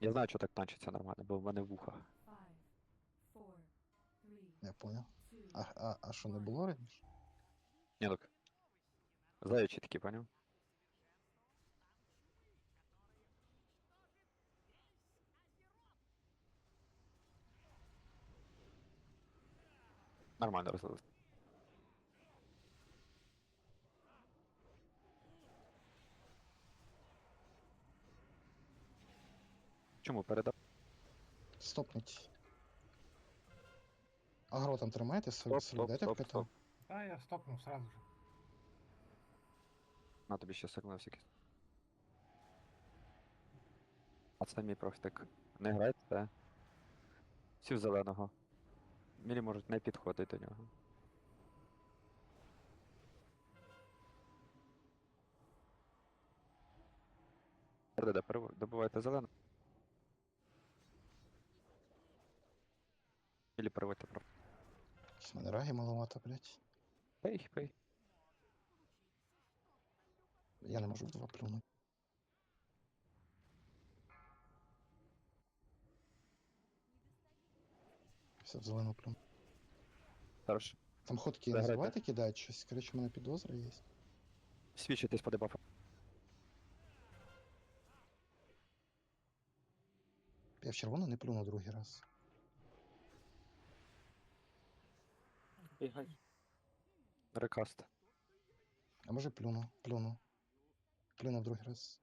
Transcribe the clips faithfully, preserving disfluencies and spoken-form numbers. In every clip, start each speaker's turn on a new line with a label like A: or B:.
A: Я знаю, що так танчиться нормально, бо в мене вуха.
B: Five, four, three,
C: Я понял.
B: two,
C: А, а, а що не було раніше?
A: Ні, так. Заячі такі, поняв? Нормально розлились. Чому передав?
C: Стопнуть. Агро там тримайте,
A: Стоп,
C: соль,
A: стоп,
C: дайте в
A: стоп,
C: КТ.
A: стоп.
D: А, я стопнув сразу же.
A: На тобі ще сигнал всякий. А це мій профтик. Не грайте. Всі в зеленого. Мілі можуть не підходити до нього. РДД, перев- добивайте зелену. Мілі переводьте про.
C: Щось в мене раги маловато, блядь.
A: Пей, пей.
C: Я не можу в два плюнути. Все, в зелену плюну.
A: Хорошо.
C: Там ходки не
A: Заграйте.
C: забувайте кидати щось. Короче, у мене підозра є.
A: Свідчитесь по дебафу.
C: Я в червону не плюну другий раз.
A: Рекаст.
C: А може плюну, плюну. Плюну в другий раз.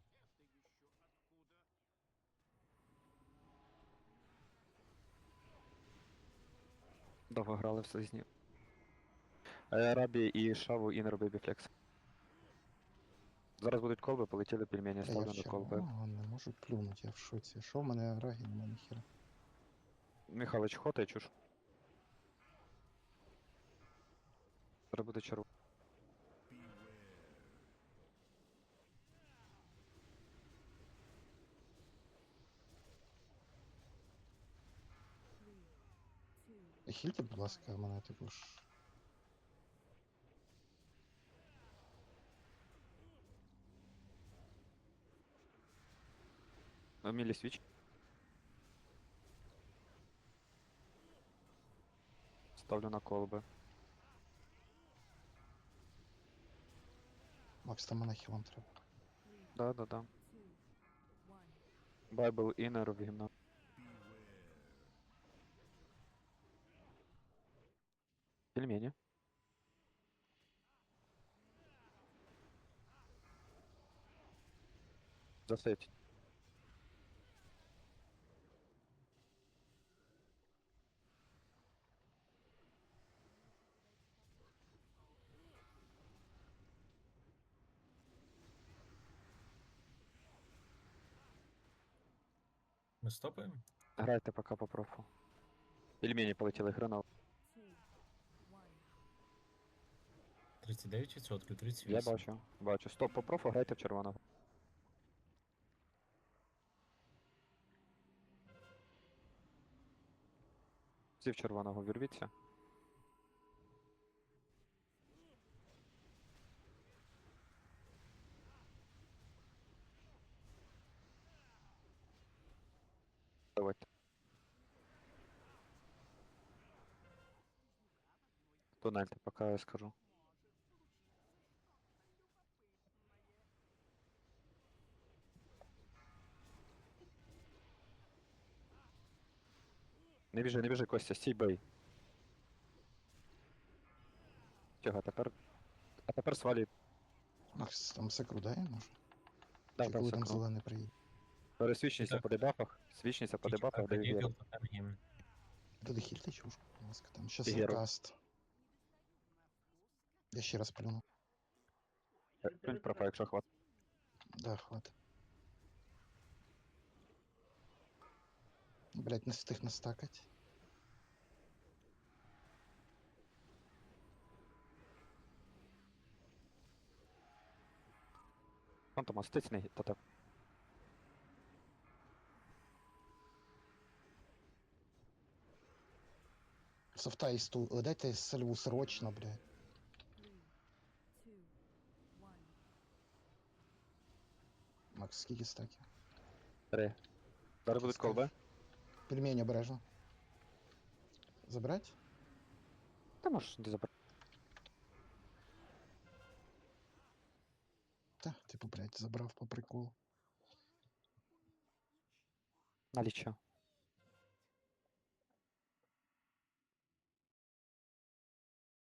A: Довго грали в слизні. Е, Рабі і Шаву і не роби біфлекс. Зараз будуть колби, полетіли пельмені,
C: Та я
A: ставлю
C: в
A: на колби.
C: червоного не можу плюнути, я в шоці. Що в мене раги, нема ніхера.
A: Михайлович, хотай чуш. Зараз буде черв.
B: two,
C: Е, Хільте, будь ласка, мене також.
A: Ну, Мілі свіч. Ставлю на колби.
C: Макс, там мене хілом треба.
B: three,
A: Да, да, да.
B: two, one.
A: Байбл інер в гімна. Пельмені. Засейвть.
D: Ми стопаємо?
A: Грайте пока по профу. Пельмені полетіли, гранал.
B: Two, one.
D: тридцять дев'ять відсотків, тридцять
A: Я
D: вісім.
A: бачу, бачу. Стоп по профу, грайте в червоного. Всі в червоного вірвіться. Давайте. Тунельте, пока я скажу. Не біжи, не біжи, Костя, стій бей. Чого, тепер... А тепер свалі.
C: Макс, там секру дай, може?
A: Да,
C: Чи
A: да,
C: коли там
A: секру.
C: зелений приїде?
A: Пересвічніся
D: Так.
A: по дебафах. Свічніся по дебафах, даю віру.
C: Туди хільте чушку, будь ласка, там щас
A: Геру.
C: каст. Я ще раз плюну.
A: Плюнь профа, якщо хват.
C: Да, хватит. Блять, не встиг настакать.
A: Фантома, стицний, та так.
C: Софта і стул. Е, Дайте сальву срочно, блядь.
B: Three, two, one.
C: Макс, скільки стаків?
A: Три. Зараз будуть
C: Скажеш.
A: колби.
C: Пельмені обережно. Забрать?
A: Та можеш не забрати.
C: Та, типу, блядь, забрав по приколу.
A: Налічо.